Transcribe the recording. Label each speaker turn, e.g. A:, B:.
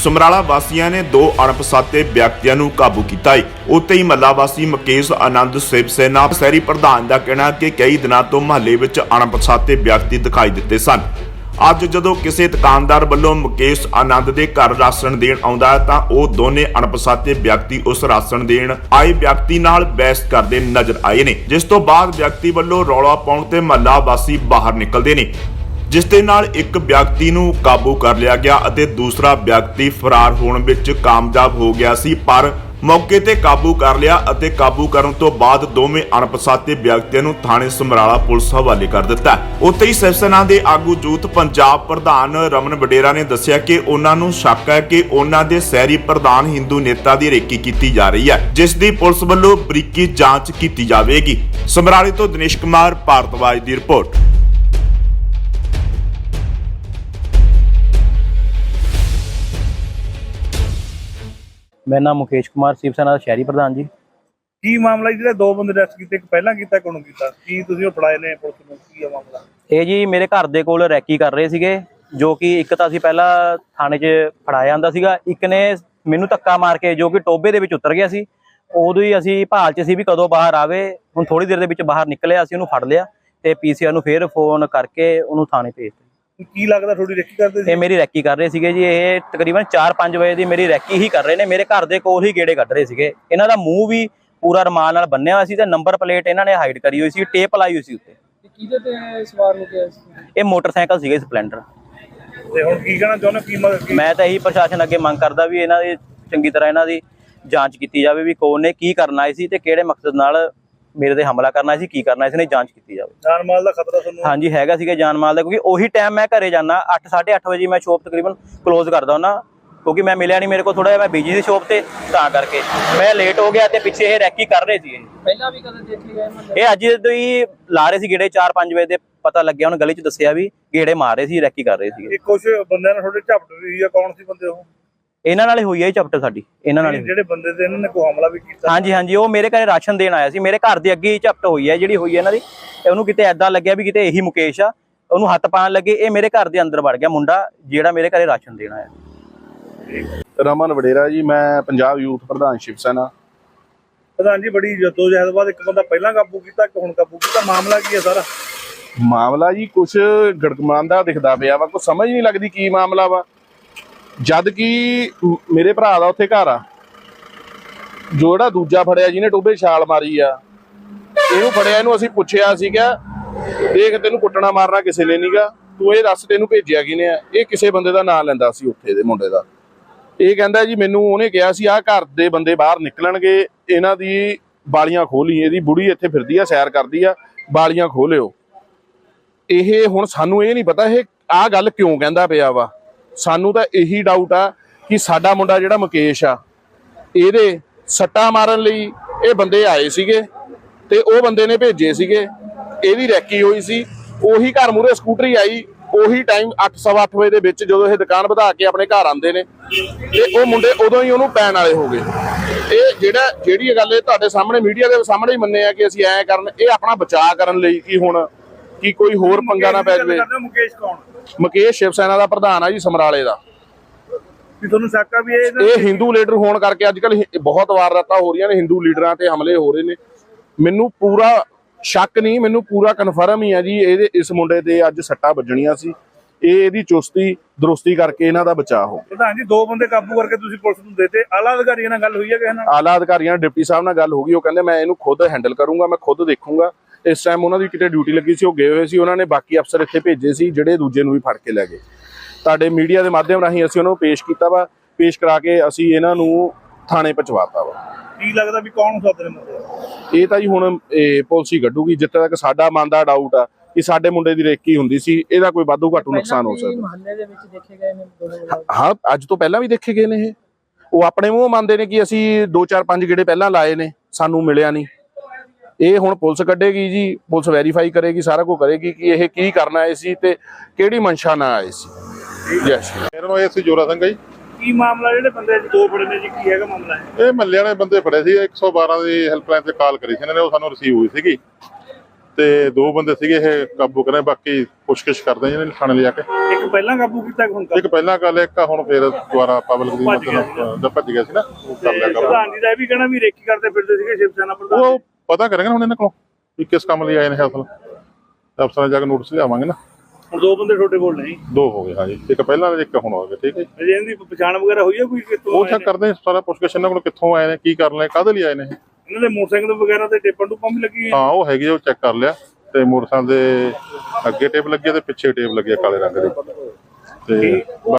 A: ਸਮਰਾਲਾ ਵਾਸੀਆਂ ਨੇ 2 ਅਣਪਛਾਤੇ ਵਿਅਕਤੀਆਂ ਨੂੰ ਕਾਬੂ ਕੀਤਾ ਹੈ। ਉੱਥੇ ਹੀ ਮਹੱਲਾ ਵਾਸੀ ਮੁਕੇਸ਼ ਆਨੰਦ ਸ਼ਿਵ ਸੈਨਾ ਸ਼ਹਿਰੀ ਪ੍ਰਧਾਨ ਦਾ ਕਹਿਣਾ ਕਿ ਕਈ ਦਿਨਾਂ ਤੋਂ ਮਹੱਲੇ ਵਿੱਚ ਅਣਪਛਾਤੇ ਵਿਅਕਤੀ ਦਿਖਾਈ ਦਿੱਤੇ ਸਨ। ਅੱਜ ਜਦੋਂ ਕਿਸੇ ਦੁਕਾਨਦਾਰ ਵੱਲੋਂ ਮੁਕੇਸ਼ ਆਨੰਦ ਦੇ ਘਰ ਰਾਸ਼ਨ ਦੇਣ ਆਉਂਦਾ ਹੈ ਤਾਂ ਉਹ ਦੋਨੇ ਅਣਪਛਾਤੇ ਵਿਅਕਤੀ ਉਸ ਰਾਸ਼ਨ ਦੇਣ ਆਏ ਵਿਅਕਤੀ ਨਾਲ ਬਹਿਸ ਕਰਦੇ ਨਜ਼ਰ ਆਏ ਨੇ, ਜਿਸ ਤੋਂ ਬਾਅਦ ਵਿਅਕਤੀ ਵੱਲੋਂ ਰੌਲਾ ਪਾਉਣ ਤੇ ਮਹੱਲਾ ਵਾਸੀ ਬਾਹਰ ਨਿਕਲਦੇ ਨੇ, ਜਿਸ ਦੇ ਨਾਲ ਇੱਕ ਵਿਅਕਤੀ ਨੂੰ ਕਾਬੂ ਕਰ ਲਿਆ ਗਿਆ ਅਤੇ ਦੂਸਰਾ ਵਿਅਕਤੀ ਫਰਾਰ ਹੋਣ ਵਿੱਚ ਕਾਮਯਾਬ ਹੋ ਗਿਆ ਸੀ, ਪਰ ਮੌਕੇ ਤੇ ਕਾਬੂ ਕਰ ਲਿਆ ਅਤੇ ਕਾਬੂ ਕਰਨ ਤੋਂ ਬਾਅਦ ਦੋਵੇਂ ਅਣਪਛਾਤੇ ਵਿਅਕਤੀਆਂ ਨੂੰ ਥਾਣੇ ਸਮਰਾਲਾ ਪੁਲਿਸ ਹਵਾਲੇ ਕਰ ਦਿੱਤਾ। ਉੱਥੇ ਹੀ ਸ਼ਿਵ ਸੈਨਾ ਦੇ ਆਗੂ ਯੂਥ ਪੰਜਾਬ ਪ੍ਰਧਾਨ ਰਮਨ ਵਡੇਰਾ ਨੇ ਦੱਸਿਆ ਕਿ ਉਹਨਾਂ ਨੂੰ ਸ਼ੱਕ ਹੈ ਕਿ ਉਹਨਾਂ ਦੇ ਸ਼ਹਿਰੀ ਪ੍ਰਧਾਨ ਹਿੰਦੂ ਨੇਤਾ ਦੀ ਰੇਕੀ ਕੀਤੀ ਜਾ ਰਹੀ ਹੈ, ਜਿਸ ਦੀ ਪੁਲਿਸ ਵੱਲੋਂ ਬਰੀਕੀ ਜਾਂਚ ਕੀਤੀ ਜਾਵੇਗੀ। ਸਮਰਾਲੇ ਤੋਂ ਦਿਨੇਸ਼ ਕੁਮਾਰ ਭਾਰਤਵਾਜ ਦੀ ਰਿਪੋਰਟ।
B: मेरा नाम मुकेश कुमार शिव सेना शहरी प्रधान जी।
C: की मामला जी? दो बंदे अरेस्ट किए, पहला किया कौन किया की तुसीं फड़ाए ने पुलिस नूं? की है मामला?
B: ਇਹ ਜੀ ਮੇਰੇ ਘਰ ਦੇ ਕੋਲ ਰੈਕੀ ਕਰ ਰਹੇ ਸੀਗੇ, ਜੋ ਕਿ ਇੱਕ ਤਾਂ ਅਸੀਂ ਪਹਿਲਾਂ ਥਾਣੇ 'ਚ ਫੜਾਇਆ ਜਾਂਦਾ ਸੀਗਾ, ਇੱਕ ਨੇ ਮੈਨੂੰ ਧੱਕਾ ਮਾਰ ਕੇ ਜੋ ਕਿ ਟੋਬੇ ਦੇ ਵਿੱਚ ਉਤਰ ਗਿਆ ਸੀ। ਉਦੋਂ ਹੀ ਅਸੀਂ ਭਾਲ 'ਚ ਸੀ ਵੀ ਕਦੋਂ ਬਾਹਰ ਆਵੇ। ਹੁਣ ਥੋੜੀ ਦੇਰ ਦੇ ਵਿੱਚ ਬਾਹਰ ਨਿਕਲਿਆ, ਅਸੀਂ ਉਹਨੂੰ ਫੜ ਲਿਆ ਤੇ ਪੀਸੀਆਰ ਨੂੰ ਫੇਰ ਫੋਨ ਕਰਕੇ ਉਹਨੂੰ ਥਾਣੇ ਭੇਜਤਾ।
C: ਕੀ ਲੱਗਦਾ ਥੋੜੀ ਰੈਕੀ ਕਰਦੇ ਸੀ?
B: ਇਹ ਮੇਰੀ ਰੈਕੀ ਕਰ ਰਹੇ ਸੀਗੇ ਜੀ। ਇਹ ਤਕਰੀਬਨ 4-5 ਵਜੇ ਦੀ ਮੇਰੀ ਰੈਕੀ ਹੀ ਕਰ ਰਹੇ ਨੇ, ਮੇਰੇ ਘਰ ਦੇ ਕੋਲ ਹੀ ਗੇੜੇ ਕੱਢ ਰਹੇ ਸੀਗੇ। ਇਹਨਾਂ ਦਾ ਮੂੰਹ ਵੀ ਪੂਰਾ ਰੁਮਾਲ ਨਾਲ ਬੰਨਿਆ ਹੋਇਆ ਸੀ ਤੇ ਨੰਬਰ ਪਲੇਟ ਇਹਨਾਂ ਨੇ ਹਾਈਡ ਕਰੀ ਹੋਈ ਸੀ, ਟੇਪ ਲਾਈ ਹੋਈ ਸੀ ਉੱਤੇ।
C: ਕਿਹਦੇ ਤੇ ਸਵਾਰ ਹੋ ਗਿਆ ਸੀ?
B: ਇਹ ਮੋਟਰਸਾਈਕਲ ਸੀਗੇ ਸਪਲੈਂਡਰ।
C: ਤੇ ਹੁਣ ਕੀ ਕਹਿਣਾ ਚਾਹੁੰਦੇ ਕੀ ਮਦਦ?
B: ਮੈਂ ਤਾਂ ਇਹੀ ਪ੍ਰਸ਼ਾਸਨ ਅੱਗੇ ਮੰਗ ਕਰਦਾ ਵੀ ਇਹਨਾਂ ਦੀ ਚੰਗੀ ਤਰ੍ਹਾਂ ਇਹਨਾਂ ਦੀ ਜਾਂਚ ਕੀਤੀ ਜਾਵੇ ਵੀ ਕੌਣ ਨੇ ਕੀ ਕਰਨਾ ਆਏ ਸੀ ਤੇ ਕਿਹੜੇ ਮਕਸਦ ਨਾਲ ਮੇਰੇ ਤੇ ਹਮਲਾ ਕਰਨਾ ਸੀ, ਕੀ ਕਰਨਾ ਸੀ, ਨੇ ਜਾਂਚ ਕੀਤੀ ਜਾਵੇ।
C: ਜਾਨ ਮਾਲ ਦਾ ਖਤਰਾ ਤੁਹਾਨੂੰ?
B: ਹਾਂਜੀ ਹੈਗਾ ਸੀਗਾ ਜਾਨ ਮਾਲ ਦਾ, ਕਿਉਂਕਿ ਉਹੀ ਟਾਈਮ ਮੈਂ ਘਰੇ ਜਾਣਾ 8-8:30 ਵਜੇ ਮੈਂ ਸ਼ੋਪ ਤਕਰੀਬਨ ਕਲੋਜ਼ ਕਰਦਾ ਹੁੰਦਾ, ਕਿਉਂਕਿ ਮੈਂ ਮਿਲਿਆ ਨਹੀਂ, ਮੇਰੇ ਕੋਲ ਥੋੜਾ ਜਿਹਾ ਮੈਂ ਬਿਜੀ ਸੀ ਸ਼ੋਪ ਤੇ, ਤਾਂ ਕਰਕੇ ਮੈਂ ਲੇਟ ਹੋ ਗਿਆ। ਤੇ ਪਿੱਛੇ ਇਹ ਰੈਕੀ ਕਰ ਰਹੇ ਸੀ। ਪਹਿਲਾਂ ਵੀ ਕਦੇ ਦੇਖੇ ਗਏ ਇਹ ਅੱਜ ਤੋਂ ਹੀ ਲਾ ਰਹੇ ਸੀ ਗੇੜੇ 4-5 ਵਜੇ ਦੇ, ਪਤਾ ਲੱਗਿਆ ਹੁਣ ਗਲੀ 'ਚ ਦੱਸਿਆ ਵੀ ਗੇੜੇ ਮਾਰ ਰਹੇ ਸੀ, ਰੈਕੀ ਕਰ ਰਹੇ ਸੀ।
C: ਕੁਝ ਬੰਦਿਆਂ ਨਾਲ ਥੋੜੇ ਝਪਟ ਵੀ ਆ, ਕੌਣ ਸੀ ਬੰਦੇ ਉਹ?
B: ਇਹਨਾਂ ਨਾਲ ਹੋਈ ਹੈ ਚੈਪਟਰ ਸਾਡੀ, ਇਹਨਾਂ ਨਾਲ
C: ਜਿਹੜੇ ਬੰਦੇ ਤੇ ਇਹਨਾਂ ਨੇ ਕੋਈ ਹਮਲਾ ਵੀ ਕੀਤਾ?
B: ਹਾਂਜੀ ਉਹ ਮੇਰੇ ਘਰੇ ਰਾਸ਼ਨ ਦੇਣ ਆਇਆ ਸੀ, ਮੇਰੇ ਘਰ ਦੇ ਅੱਗੇ ਹੀ ਝਪਟ ਹੋਈ ਹੈ ਜਿਹੜੀ ਹੋਈ ਹੈ ਇਹਨਾਂ ਦੀ। ਉਹਨੂੰ ਕਿਤੇ ਐਦਾਂ ਲੱਗਿਆ ਵੀ ਕਿਤੇ ਇਹੀ ਮੁਕੇਸ਼ ਆ, ਉਹਨੂੰ ਹੱਥ ਪਾਉਣ ਲੱਗੇ, ਇਹ ਮੇਰੇ ਘਰ ਦੇ ਅੰਦਰ ਵੜ ਗਿਆ ਮੁੰਡਾ ਜਿਹੜਾ ਮੇਰੇ ਘਰੇ ਰਾਸ਼ਨ ਦੇਣ ਆਇਆ।
D: ਰਮਨ ਵਡੇਰਾ ਜੀ, ਮੈਂ ਪੰਜਾਬ ਯੂਥ ਪ੍ਰਧਾਨ ਸ਼ਿਵ ਸੈਨਾ।
C: ਪ੍ਰਧਾਨ ਜੀ, ਬੜੀ ਜਦੋਜਹਿਦ ਬਾਅਦ ਇੱਕ ਬੰਦਾ ਪਹਿਲਾਂ ਕਾਬੂ ਕੀਤਾ, ਇੱਕ ਹੁਣ ਕਾਬੂ ਕੀਤਾ, ਮਾਮਲਾ ਕੀ ਹੈ ਸਾਰਾ?
D: ਮਾਮਲਾ ਜੀ ਕੁਛ ਗੜਗਮਾਂਦਾ ਦਿਖਦਾ ਪਿਆ ਵਾ, ਕੁਛ ਸਮਝ ਨਹੀਂ ਲੱਗਦੀ ਕੀ ਮਾਮਲਾ ਵਾ। ਜਦ ਕਿ ਮੇਰੇ ਭਰਾ ਦਾ ਉੱਥੇ ਘਰ ਆ, ਜਿਹੜਾ ਦੂਜਾ ਫੜਿਆ ਜਿਹਨੇ ਟੋਬੇ ਛਾਲ ਮਾਰੀ ਆ, ਇਹਨੂੰ ਫੜਿਆ, ਇਹਨੂੰ ਅਸੀਂ ਪੁੱਛਿਆ ਸੀਗਾ, ਦੇਖ ਤੈਨੂੰ ਕੁੱਟਣਾ ਮਾਰਨਾ ਕਿਸੇ ਨੇ ਨਹੀਂਗਾ, ਤੂੰ ਇਹ ਦੱਸ ਤੈਨੂੰ ਭੇਜਿਆ ਕਿਨੇ ਆ? ਇਹ ਕਿਸੇ ਬੰਦੇ ਦਾ ਨਾਂ ਲੈਂਦਾ ਸੀ ਉੱਥੇ ਦੇ ਮੁੰਡੇ ਦਾ। ਇਹ ਕਹਿੰਦਾ ਜੀ ਮੈਨੂੰ ਉਹਨੇ ਕਿਹਾ ਸੀ ਆਹ ਘਰ ਦੇ ਬੰਦੇ ਬਾਹਰ ਨਿਕਲਣਗੇ, ਇਹਨਾਂ ਦੀ ਬਾਲੀਆਂ ਖੋਲੀ, ਇਹਦੀ ਬੁੜੀ ਇੱਥੇ ਫਿਰਦੀ ਆ, ਸੈਰ ਕਰਦੀ ਆ, ਬਾਲੀਆਂ ਖੋਲਿਓ। ਇਹ ਹੁਣ ਸਾਨੂੰ ਇਹ ਨਹੀਂ ਪਤਾ ਇਹ ਆਹ ਗੱਲ ਕਿਉਂ ਕਹਿੰਦਾ ਪਿਆ ਵਾ। ਸਾਨੂੰ ਤਾਂ ਇਹੀ ਡਾਊਟ ਆ ਕਿ ਸਾਡਾ ਮੁੰਡਾ ਜਿਹੜਾ ਮੁਕੇਸ਼ ਆ, ਇਹਦੇ ਸੱਟਾਂ ਮਾਰਨ ਲਈ ਇਹ ਬੰਦੇ ਆਏ ਸੀਗੇ ਤੇ ਉਹ ਬੰਦੇ ਨੇ ਭੇਜੇ ਸੀਗੇ, ਇਹਦੀ ਰੈਕੀ ਹੋਈ ਸੀ, ਉਹੀ ਘਰ ਮੂਹਰੇ ਸਕੂਟਰੀ ਆਈ, ਉਹੀ ਟਾਈਮ 8-8:15 ਵਜੇ ਦੇ ਵਿੱਚ ਜਦੋਂ ਇਹ ਦੁਕਾਨ ਵਧਾ ਕੇ ਆਪਣੇ ਘਰ ਆਉਂਦੇ ਨੇ ਤੇ ਉਹ ਮੁੰਡੇ ਉਦੋਂ ਹੀ ਉਹਨੂੰ ਪੈਣ ਵਾਲੇ ਹੋ ਗਏ। ਇਹ ਜਿਹੜੀ ਗੱਲ ਇਹ ਤੁਹਾਡੇ ਸਾਹਮਣੇ ਮੀਡੀਆ ਦੇ ਸਾਹਮਣੇ ਹੀ ਮੰਨੇ ਆ ਕਿ ਅਸੀਂ ਐਂ ਕਰਨ, ਇਹ ਆਪਣਾ ਬਚਾਅ ਕਰਨ ਲਈ ਕਿ ਹੁਣ ਕੀ ਕੋਈ ਹੋਰ ਪੰਗਾ ਨਾ ਪੈ ਜਾਵੇ।
C: ਮੁਕੇਸ਼ ਕੌਣ?
D: ਮੁਕੇਸ਼ ਸ਼ਿਵ ਸੈਨਾ ਦਾ ਪ੍ਰਧਾਨ ਆ ਜੀ, ਸਮਰਾਲੇ ਦਾ।
C: ਤੁਹਾਨੂੰ ਸ਼ੱਕ ਆ ਵੀ
D: ਇਹ ਹਿੰਦੂ ਲੀਡਰ ਹੋਣ ਕਰਕੇ ਅੱਜ ਕੱਲ ਬਹੁਤ ਵਾਰਦਾਤਾਂ ਹੋ ਰਹੀਆਂ ਨੇ, ਹਿੰਦੂ ਲੀਡਰਾਂ ਤੇ ਹਮਲੇ ਹੋ ਰਹੇ ਨੇ। ਮੈਨੂੰ ਪੂਰਾ ਸ਼ੱਕ ਨਹੀਂ, ਮੈਨੂੰ ਪੂਰਾ ਕਨਫਰਮ ਹੀ ਆ ਜੀ ਇਹਦੇ ਇਸ ਮੁੰਡੇ ਤੇ ਅੱਜ ਸੱਟਾਂ ਵੱਜਣੀਆਂ ਸੀ। ਇਹ ਇਹਦੀ ਚੁਸਤੀ ਦਰੁਸਤੀ ਕਰਕੇ ਇਹਨਾਂ ਦਾ ਬਚਾਅ ਹੋ।
C: ਪ੍ਰਧਾਨ ਜੀ, 2 ਬੰਦੇ ਕਾਬੂ ਕਰਕੇ ਤੁਸੀਂ ਪੁਲਿਸ ਨੂੰ ਦੇਤੇ, ਆਲਾ ਅਧਿਕਾਰੀਆਂ ਨਾਲ ਗੱਲ ਹੋਈ ਹੈ ਕਿਸੇ ਨਾਲ?
D: ਆਲਾ ਅਧਿਕਾਰੀਆਂ ਡਿਪਟੀ ਸਾਹਿਬ ਨਾਲ ਗੱਲ ਹੋ ਗਈ, ਉਹ ਕਹਿੰਦੇ ਮੈਂ ਇਹਨੂੰ ਖੁਦ ਹੈਂਡਲ ਕਰੂੰਗਾ, ਮੈਂ ਖੁਦ ਦੇਖੂੰਗਾ। ਇਸ ਟਾਈਮ ਉਹਨਾਂ ਦੀ ਕਿਤੇ ਡਿਊਟੀ ਲੱਗੀ ਸੀ, ਉਹ ਗਏ ਹੋਏ ਸੀ, ਉਹਨਾਂ ਨੇ ਬਾਕੀ ਅਫਸਰ ਇੱਥੇ ਭੇਜੇ ਸੀ ਜਿਹੜੇ ਦੂਜੇ ਨੂੰ ਵੀ ਫੜ ਕੇ ਲੈ ਗਏ। ਤੁਹਾਡੇ ਮੀਡੀਆ ਦੇ ਮਾਧਿਅਮ ਰਾਹੀਂ ਅਸੀਂ ਉਹਨਾਂ ਨੂੰ ਪੇਸ਼ ਕੀਤਾ ਵਾ, ਪੇਸ਼ ਕਰਾ ਕੇ ਅਸੀਂ ਇਹਨਾਂ ਨੂੰ ਥਾਣੇ ਪਹੁੰਚਵਾਤਾ ਵਾ।
C: ਕੀ ਲੱਗਦਾ ਵੀ ਕੌਣ ਸੱਦ ਰਹੇ ਮੁੰਡੇ?
D: ਇਹ ਤਾਂ ਜੀ ਹੁਣ ਪੁਲਿਸ ਹੀ ਕੱਢੂਗੀ। ਜਿੱਥੇ ਤੱਕ ਸਾਡਾ ਮਨ ਦਾ ਡਾਊਟ ਆ ਕਿ ਸਾਡੇ ਮੁੰਡੇ ਦੀ ਰੇਕੀ ਹੁੰਦੀ ਸੀ, ਇਹਦਾ ਕੋਈ ਵਾਧੂ ਘਾਟੂ ਨੁਕਸਾਨ ਹੋ ਸਕਦਾ।
C: ਮਹੱਲੇ ਦੇ ਵਿੱਚ ਦੇਖੇ ਗਏ ਨੇ?
D: ਹਾਂ, ਅੱਜ ਤੋਂ ਪਹਿਲਾਂ ਵੀ ਦੇਖੇ ਗਏ ਨੇ। ਉਹ ਆਪਣੇ ਮੂੰਹ ਮੰਨਦੇ ਨੇ ਕਿ ਅਸੀਂ 2-4-5 ਗੇੜੇ ਪਹਿਲਾਂ ਲਾਏ ਨੇ, ਸਾਨੂੰ ਮਿਲਿਆ ਨਹੀਂ। ਇਹ ਹੁਣ ਪੁਲਿਸ ਕੱਢੇਗੀ ਜੀ, ਪੁਲਿਸ ਵੈਰੀਫਾਈ ਕਰੇਗੀ, ਸਾਰਾ ਕੁਝ ਕਰੇਗੀ ਕਿ ਇਹ ਕੀ ਕਰਨ ਆਏ ਸੀ ਤੇ ਕਿਹੜੀ ਮਨਸ਼ਾ ਨਾਲ ਆਏ ਸੀ। ਯੈਸ,
E: ਮੇਰਾ ਨਾਮ ਇਹ ਜੋਰਾ ਸਿੰਘ ਹੈ ਜੀ।
C: ਕੀ ਮਾਮਲਾ ਜਿਹੜੇ ਬੰਦੇ 2 ਫੜੇ ਨੇ ਜੀ, ਕੀ ਹੈਗਾ ਮਾਮਲਾ?
E: ਇਹ ਮੱਲੇ ਵਾਲੇ ਬੰਦੇ ਫੜੇ ਸੀ, 112 ਦੀ ਹੈਲਪਲਾਈਨ ਤੇ ਕਾਲ ਕਰੀ ਸੀ ਇਹਨਾਂ ਨੇ, ਉਹ ਸਾਨੂੰ ਰਿਸੀਵ ਹੋਈ ਸੀਗੀ ਤੇ 2 ਬੰਦੇ ਸੀਗੇ ਇਹ ਕਾਬੂ ਕਰੇ, ਬਾਕੀ ਪੁੱਛਗਿੱਛ ਕਰਦੇ ਜਿਹਨੇ ਥਾਣੇ ਲਿਆ ਕੇ।
C: ਇੱਕ ਪਹਿਲਾਂ ਕਾਬੂ ਕੀਤਾ ਹੁਣ
E: ਇੱਕ ਪਹਿਲਾਂ ਗੱਲ ਇੱਕ ਹੁਣ ਫਿਰ ਦੁਬਾਰਾ ਪਬਲਿਕ ਦੀ ਮਤਲਬ ਜਦ ਭੱਜ ਗਿਆ ਸੀ ਨਾ ਉਹ ਕਰ ਲਿਆ ਕਰ।
C: ਪ੍ਰਧਾਨ ਜੀ ਦਾ ਇਹ ਵੀ ਕਹਿਣਾ ਵੀ ਰੇਕੀ ਕਰਦੇ ਫਿਰਦੇ ਸੀਗੇ ਸ਼ਿਵ ਸੈਨਾ ਪ੍ਰਧਾਨ।
E: ਉਹ ਪਤਾ ਕਰਾਂਗੇ ਹੁਣ ਇਹਨਾਂ ਕੋਲੋਂ ਵੀ ਕਿਸ ਕੰਮ ਲਈ ਆਏ ਨੇ ਅਸਲ ਅਫਸਰਾਂ ਜਾ ਕੇ ਨੋਟਿਸ ਲਿਆਵਾਂਗੇ ਨਾ।
C: ਹੁਣ ਦੋ ਬੰਦੇ ਤੁਹਾਡੇ ਕੋਲ ਨੇ ਜੀ?
E: ਦੋ ਹੋ ਗਏ ਹਾਂਜੀ, ਇੱਕ ਪਹਿਲਾਂ ਇੱਕ ਹੁਣ ਹੋ ਗਿਆ। ਠੀਕ ਹੈ ਜੀ,
C: ਅਜੇ ਇਹਦੀ ਪਛਾਣ ਵਗੈਰਾ ਹੋਈ ਹੈ ਕੋਈ ਕਿੱਥੋਂ
E: ਉਹ
C: ਆਏ
E: ਚੈੱਕ
C: ਨੇ?
E: ਕਰਦੇ ਸਾਰਾ ਪੁੱਛਗਿੱਛ ਇਹਨਾਂ ਕੋਲ ਕਿੱਥੋਂ ਆਏ ਨੇ, ਕੀ ਕਰਨ ਲਈ, ਕਾਹਦੇ ਲਈ ਆਏ ਨੇ ਇਹ।
C: ਇਹਨਾਂ ਦੇ ਮੋਟਰਸਾਈਕਲ ਵਗੈਰਾ ਤੇ ਟੇਪਾਂ ਟੂਪਾਂ ਵੀ ਲੱਗੀ
E: ਹਾਂ ਉਹ ਹੈਗੀ ਆ, ਉਹ ਚੈੱਕ ਕਰ ਲਿਆ ਤੇ ਮੋਟਰਸਾਈਕਲ ਦੇ ਅੱਗੇ ਟੇਪ ਲੱਗੀ ਆ ਤੇ ਪਿੱਛੇ ਟੇਪ ਲੱਗੀ ਆ ਕਾਲੇ ਰੰਗ ਦੀ ਤੇ